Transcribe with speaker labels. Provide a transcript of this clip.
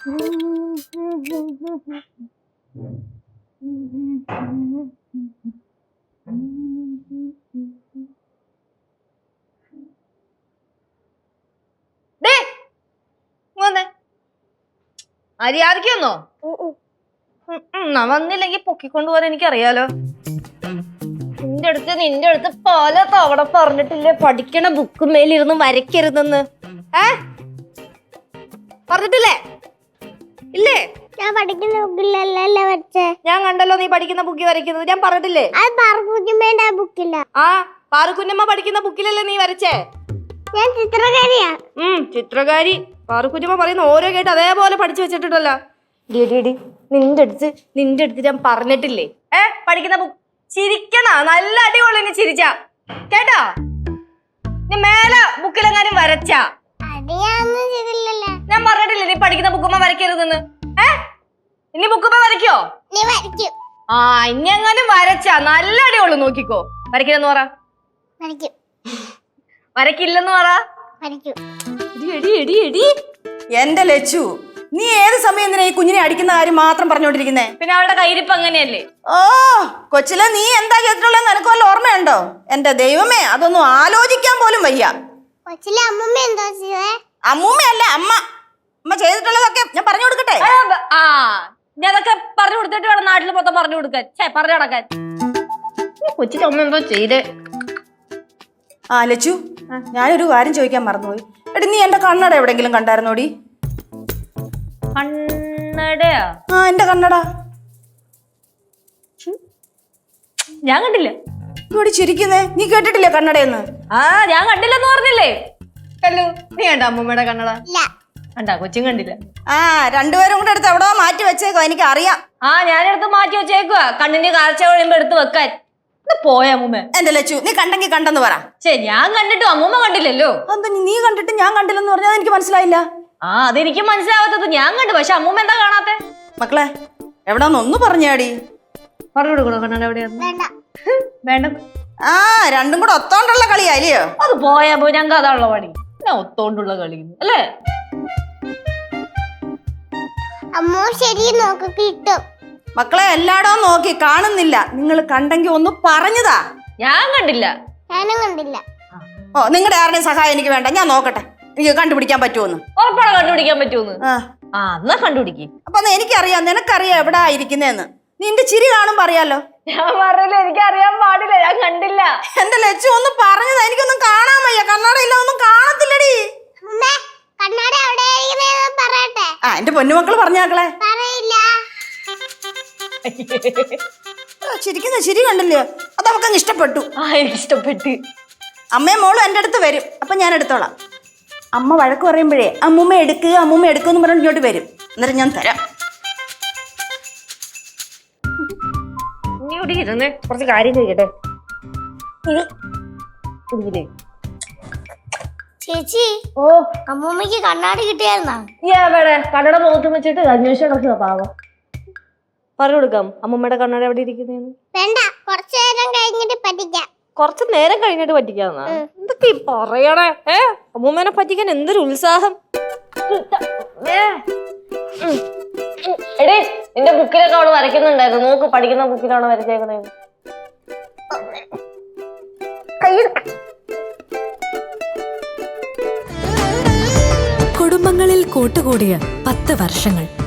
Speaker 1: മര്യാദയ്ക്കൊന്നോ വന്നില്ലെങ്കി പൊക്കിക്കൊണ്ടുപോകാൻ എനിക്കറിയാലോ. നിന്റെ അടുത്ത് പല തവണ പറഞ്ഞിട്ടില്ലേ പഠിക്കണ ബുക്ക് മേലിരുന്ന് വരയ്ക്കരുതെന്ന്. പറഞ്ഞിട്ടില്ലേ? ഇല്ലേ?
Speaker 2: ഞാൻ പഠിക്കുന്ന ബുക്കിലല്ലേ വരച്ചേ.
Speaker 1: ഞാൻ കണ്ടല്ലോ നീ പഠിക്കുന്ന ബുക്കിൽ വരയ്ക്കുന്നത്. ഞാൻ പറഞ്ഞിട്ടില്ലേ?
Speaker 2: ആ
Speaker 1: പാറുക്കുഞ്ഞമ്മ പഠിക്കുന്ന ബുക്കിലല്ലേ നീ വരച്ചേ?
Speaker 2: ഞാൻ ചിത്രകാരിയാ.
Speaker 1: ചിത്രകാരി. പാറുക്കുഞ്ഞമ്മ പറയുന്ന ഓരോ കേട്ട് അതേപോലെ പഠിച്ചു വെച്ചിട്ടുണ്ടല്ലോ. നിന്റെ അടുത്ത് ഞാൻ പറഞ്ഞിട്ടില്ലേ പഠിക്കുന്ന ബുക്ക് ചിരിക്കണ നല്ല അടിപൊളി. നീ ചിരിച്ച കേട്ടാ? നീ മേലെ ബുക്കിലെങ്ങാനും വരച്ചാ ഞാൻ പറഞ്ഞിട്ടില്ലേ നീ പഠിക്കുന്ന ബുക്കുമ്മ വരയ്ക്കരുതെന്ന്. ഇനി ബുക്കുമ്മ വരയ്ക്കോ? ഇനി എങ്ങാനും വരച്ചാ നല്ല അടിപൊളി. നോക്കിക്കോ. വരയ്ക്കില്ലെന്ന് പറ. വരയ്ക്കില്ലെന്ന് പറ.
Speaker 3: എന്റെ ലച്ചു, നീ ഏത് സമയം എന്തിനാ ഈ കുഞ്ഞിനെ അടിക്കുന്ന കാര്യം മാത്രം പറഞ്ഞോണ്ടിരിക്കുന്നേ?
Speaker 1: പിന്നെ അവളുടെ കയ്യിരിപ്പ് അങ്ങനെയല്ലേ?
Speaker 3: ഓ കൊച്ചിലെ നീ എന്താ ചെയ്തിട്ടുള്ളത് നിനക്ക് വല്ല ഓർമ്മയുണ്ടോ? എന്റെ ദൈവമേ, അതൊന്നും ആലോചിക്കാൻ പോലും വയ്യ. അമ്മൂമ്മയല്ല അമ്മ. അമ്മ ചെയ്തിട്ടുള്ളതൊക്കെ ഞാൻ പറഞ്ഞു കൊടുക്കട്ടെ?
Speaker 1: ഞാനതൊക്കെ പറഞ്ഞു കൊടുത്തിട്ട് വേണം നാട്ടിൽ മൊത്തം പറഞ്ഞു കൊടുക്കാൻ. പറഞ്ഞു നടക്കാൻ. കൊച്ചിന്റെ അമ്മ എന്തോ ചെയ്തേ?
Speaker 3: ലച്ചു, ഞാനൊരു കാര്യം ചോദിക്കാൻ മറന്നുപോയി. എടി, നീ എന്റെ കണ്ണട എവിടെങ്കിലും കണ്ടായിരുന്നോടി?
Speaker 1: കണ്ണടയാ?
Speaker 3: എന്റെ കണ്ണട
Speaker 1: ഞാൻ കണ്ടില്ല.
Speaker 3: ഇവിടെ ചിരിക്കുന്നേ, നീ കേട്ടിട്ടില്ലേ കണ്ണടയെന്ന്?
Speaker 1: ഞാൻ കണ്ടില്ലെന്ന് പറഞ്ഞില്ലേ? കല്ലു, നീ കണ്ട അമ്മൂമ്മയുടെ കണ്ണട? കണ്ടാ? കൊച്ചും കണ്ടില്ല.
Speaker 3: രണ്ടുപേരും കൂടെ എടുത്ത് എവിടോ മാറ്റി വെച്ചേക്കോ, എനിക്ക് അറിയാം.
Speaker 1: ഞാനെടുത്ത് മാറ്റി വെച്ചേക്കുവാ കണ്ണിന്റെ കാഴ്ച കഴിയുമ്പോ എടുത്ത് വെക്കാൻ. പോയ അമ്മൂമ്മ.
Speaker 3: എന്റെ ലച്ചു, നീ കണ്ടെങ്കിൽ കണ്ടെന്ന് പറ.
Speaker 1: ഞാൻ കണ്ടിട്ടും അമ്മൂമ്മ കണ്ടില്ലല്ലോ.
Speaker 3: എന്താ നീ കണ്ടിട്ട് ഞാൻ കണ്ടില്ലെന്ന് പറഞ്ഞാൽ എനിക്ക് മനസ്സിലായില്ല.
Speaker 1: അതെനിക്ക് മനസ്സിലാവാത്തത്. ഞാൻ കണ്ടു, പക്ഷെ അമ്മൂമ്മ എന്താ കാണാത്തെ?
Speaker 3: മക്കളെ, എവിടാന്നൊന്ന് പറഞ്ഞാടി.
Speaker 1: പറഞ്ഞു കൊടുക്കണോ കണ്ണട എവിടെയാന്ന്? വേണ്ട.
Speaker 3: രണ്ടും കൂടെ ഒത്തോണ്ടുള്ള കളിയായില്ലയോ?
Speaker 1: അത് പോയാ പോയി. ഞങ്ങൾക്ക് അതാണുള്ള പണി. ഞാൻ ഒത്തോണ്ടുള്ള കളി അല്ലേ?
Speaker 3: മക്കളെ, എല്ലായിടവും നോക്കി കാണുന്നില്ല. നിങ്ങൾ കണ്ടെങ്കിൽ ഒന്ന് പറഞ്ഞതാ.
Speaker 1: ഞാൻ കണ്ടില്ല.
Speaker 3: നിങ്ങളുടെ ആരുടെയും സഹായം എനിക്ക് വേണ്ട. ഞാൻ നോക്കട്ടെ എനിക്ക് കണ്ടുപിടിക്കാൻ പറ്റുമെന്ന്.
Speaker 1: ഉറപ്പാണ് കണ്ടുപിടിക്കാൻ പറ്റുമെന്ന്. എന്നാ കണ്ടുപിടിക്കും.
Speaker 3: അപ്പൊ എനിക്കറിയാം, നിനക്കറിയാം എവിടാ ഇരിക്കുന്നേന്ന്. നിന്റെ ചിരി കാണുമ്പോ അറിയാലോ.
Speaker 1: ഞാൻ പറഞ്ഞില്ല, എനിക്കറിയാൻ പാടില്ല. ഞാൻ കണ്ടില്ല.
Speaker 3: എന്റെ ലച്ചു ഒന്ന് പറഞ്ഞതാ. എനിക്കൊന്നും കാണാൻ വയ്യ. കണ്ണാട ഇല്ല, ഒന്നും കാണത്തില്ലടി. എന്റെ പൊന്നുമക്കള് പറഞ്ഞാക്കളെ. ചിരിക്കുന്ന ചിരി കണ്ടില്ലേ? അത് അവക്കങ്ങ് ഇഷ്ടപ്പെട്ടു.
Speaker 1: ഇഷ്ടപ്പെട്ടു.
Speaker 3: അമ്മയും മോളും എന്റെ അടുത്ത് വരും. അപ്പൊ ഞാൻ എടുത്തോളാം. അമ്മ വഴക്ക് പറയുമ്പോഴേ അമ്മൂമ്മ എടുക്കുന്ന് പറഞ്ഞിട്ട് ഇങ്ങോട്ട് വരും. എന്നിട്ട് ഞാൻ തരാം.
Speaker 1: കുറച്ച് കാര്യം ചോദിക്കട്ടെ
Speaker 2: ചേച്ചി? അമ്മൂമ്മക്ക് കണ്ണാടി കിട്ടിയായിരുന്നാ?
Speaker 1: കണ്ണട മുഖത്ത് വെച്ചിട്ട് അന്വേഷണം പാവം. പറഞ്ഞു കൊടുക്കാം അമ്മൂമ്മയുടെ കണ്ണട എവിടെ ഇരിക്കുന്നേന്ന്.
Speaker 2: വേണ്ട, കുറച്ചു നേരം കഴിഞ്ഞിട്ട് പറ്റിക്കാം.
Speaker 1: കുറച്ചു നേരം കഴിഞ്ഞിട്ട് പറ്റിക്കാന്നാ? എന്തൊക്കെ പറയണേ? അമ്മൂമ്മേനെ പറ്റിക്കാൻ എന്തൊരു ഉത്സാഹം. എടേ, നിന്റെ ബുക്കിലൊക്കെ അവള് വരയ്ക്കുന്നുണ്ടായിരുന്നു. നോക്ക്, പഠിക്കുന്ന ബുക്കിലാണ് വരച്ചേക്കണേ.
Speaker 4: കുടുംബങ്ങളിൽ കൂട്ടുകൂടിയ 10 വർഷങ്ങൾ.